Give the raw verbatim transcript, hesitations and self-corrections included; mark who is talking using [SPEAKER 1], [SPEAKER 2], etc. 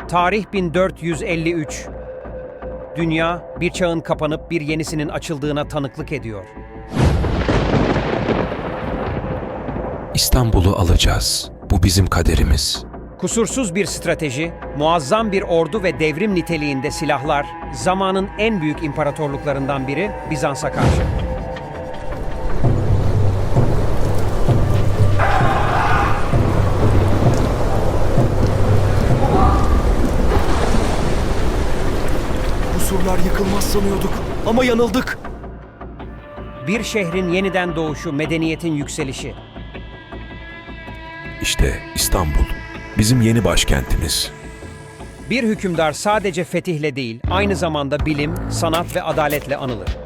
[SPEAKER 1] Tarih bin dört yüz elli üç. Dünya, bir çağın kapanıp bir yenisinin açıldığına tanıklık ediyor.
[SPEAKER 2] İstanbul'u alacağız. Bu bizim kaderimiz.
[SPEAKER 1] Kusursuz bir strateji, muazzam bir ordu ve devrim niteliğinde silahlar, zamanın en büyük imparatorluklarından biri Bizans'a karşı.
[SPEAKER 3] Bu surlar yıkılmaz sanıyorduk ama yanıldık.
[SPEAKER 1] Bir şehrin yeniden doğuşu, medeniyetin yükselişi.
[SPEAKER 4] İşte İstanbul, bizim yeni başkentimiz.
[SPEAKER 1] Bir hükümdar sadece fetihle değil, aynı zamanda bilim, sanat ve adaletle anılır.